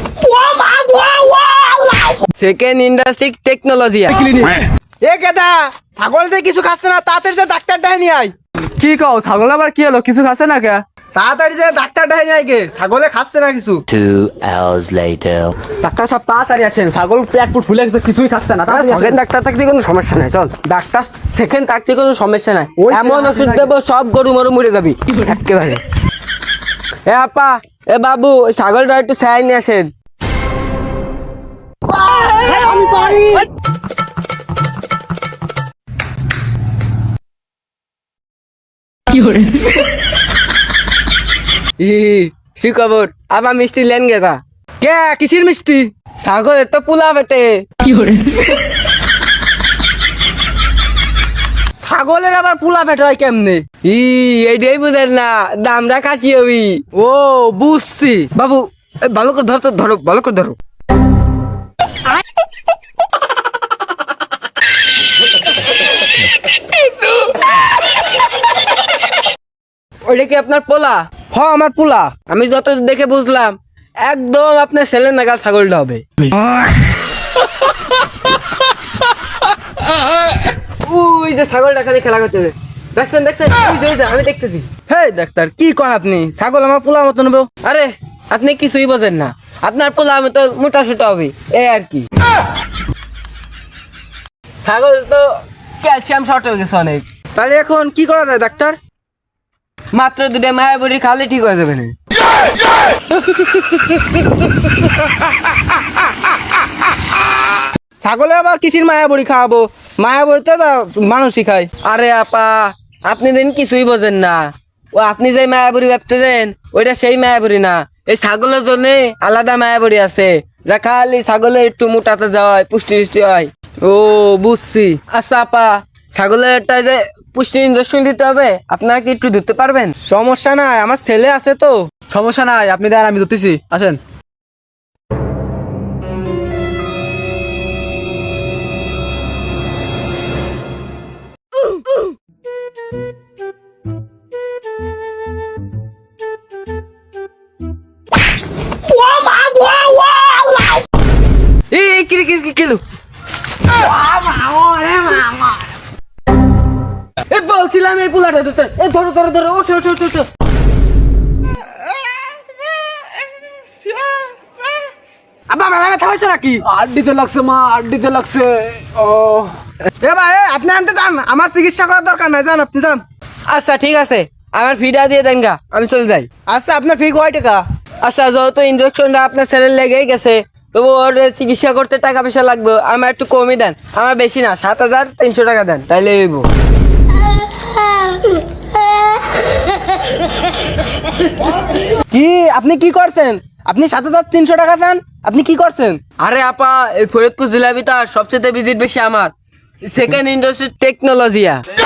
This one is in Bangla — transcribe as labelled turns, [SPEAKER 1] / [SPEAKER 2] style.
[SPEAKER 1] Second industry technology.
[SPEAKER 2] এ গেদা, ছাগল দিয়ে কিছু খাচ্ছে না, তাড়াতাড়ি যে ডাক্তার ডাই নিয়ে আয়।
[SPEAKER 3] কি কও ছাগল আবার কি হলো, কিছু খাচ্ছে না কে?
[SPEAKER 2] তাড়াতাড়ি যে ডাক্তার ডাই নিয়ে আয় গে, ছাগলে খাচ্ছে না কিছু।
[SPEAKER 4] 2 hours later.
[SPEAKER 3] ডাক্তার সব তাড়াতাড়ি আসেন, ছাগল পেট পুট ফুলে গেছে, কিছুই খাচ্ছে না।
[SPEAKER 1] সেকেন্ড ডাক্তার থাকতে কোনো সমস্যা নাই, চল। ডাক্তার সেকেন্ড থাকতে কোনো সমস্যা নাই,
[SPEAKER 3] ওই
[SPEAKER 1] এমন
[SPEAKER 3] তো
[SPEAKER 1] ওষুধ দেবো সব গরু মরু মরে যাবি একেবারে। এ আপা, এ বাবু, ওই ছাগলটা একটু ছাই নিয়ে আসেন। কি খবর? আবার মিষ্টি লেন গেছা?
[SPEAKER 2] কে কিসির মিষ্টি?
[SPEAKER 1] ছাগলের তো পোলা বেটে।
[SPEAKER 2] ছাগলের আবার পোলা পেট হয় কেমনে?
[SPEAKER 1] এইটাই বুঝেন না, দামটা কাশি হবি।
[SPEAKER 2] ও বুঝছি।
[SPEAKER 1] বাবু, ভালো করে ধরো তো, ধরো ভালো করে ধরো। ওইটা কি আপনার পোলা?
[SPEAKER 2] হ আমার পোলা।
[SPEAKER 1] আমি যত দেখে বুঝলাম একদম আপনার ছেলের নাগাল ছাগলটা হবে। ওই যে ছাগলটা খালি খেলা করতেছে, দেখছেন দেখছেন, ওই যে, আমি দেখতেছি।
[SPEAKER 2] হে ডাক্তার, কি কন আপনি? ছাগল আমার পোলা মতো নেবো?
[SPEAKER 1] আরে আপনি কিছুই বোঝেন না, আপনার পোলা আমি তো মোটা সোটা হবে এই আর কি। ছাগল তো ক্যালসিয়াম শর্ট হয়ে গেছে অনেক।
[SPEAKER 2] তাহলে এখন কি করা যায় ডাক্তার?
[SPEAKER 1] মাত্র দুটো মায়াবুড়ি খালে ঠিক হয়ে যাবে না।
[SPEAKER 2] ছাগলে আবার কিসির মায়াবড়ি খাওয়াবো? মায়াবড়িতে তো মানুষই খায়।
[SPEAKER 1] আরে আপা, আপনি দিন কিছুই বোঝেন না। ও আপনি যে মায়াবুড়ি ভাবতেছেন ওইটা সেই মায়াবুড়ি না। এই ছাগলের জন্য আলাদা মায়াবুড়ি আছে, যা খালি ছাগলের একটু মোটাতে যায়, পুষ্টি টুষ্টি হয়।
[SPEAKER 2] ও বুঝছি।
[SPEAKER 1] আচ্ছা আপা, ছাগলের একটা যে পুষ্টি ইঞ্জেকশন দিতে হবে, আপনারা কি একটু দিতে পারবেন?
[SPEAKER 2] সমস্যা নাই, আমার ছেলে আছে তো।
[SPEAKER 3] সমস্যা নাই, আপনি দেন, আমি ধরতেছি, আসেন।
[SPEAKER 1] এই কিলো বলছিলাম এই পোলাটা ধরতে। ধরো ধরো ধরো, ওঠো ওঠো ওঠো ওঠো।
[SPEAKER 2] আব্বা মেলা ব্যথা হয়েছে নাকি?
[SPEAKER 3] আড্ডিতে লাগছে মা, আড্ডিতে লাগছে। ও
[SPEAKER 2] এ ভাই, আপনি আনতে যান, আমার চিকিৎসা করার দরকার নাই, যান আপনি যান।
[SPEAKER 1] আচ্ছা ঠিক আছে, আমার ফিটা দিয়ে দেন গা, আমি চলে যাই।
[SPEAKER 2] আচ্ছা আপনার ফি কয় টাকা?
[SPEAKER 1] আচ্ছা যেহেতু ইঞ্জেকশনটা আপনার ছেলের লেগেই গেছে, তবু ওর চিকিৎসা করতে টাকা পয়সা লাগবে, আমার একটু কমই দেন। আমার বেশি না, 7,300 টাকা দেন, তাইলে হইব।
[SPEAKER 2] কি আপনি কি করছেন? আপনি 7,300 টাকা চান? আপনি কি করছেন?
[SPEAKER 1] আরে আপা, এই ফরিদপুর জেলা ভিতর সবচেয়ে ভিজিট বেশি আমার। Second industry টেকনোলজিয়া।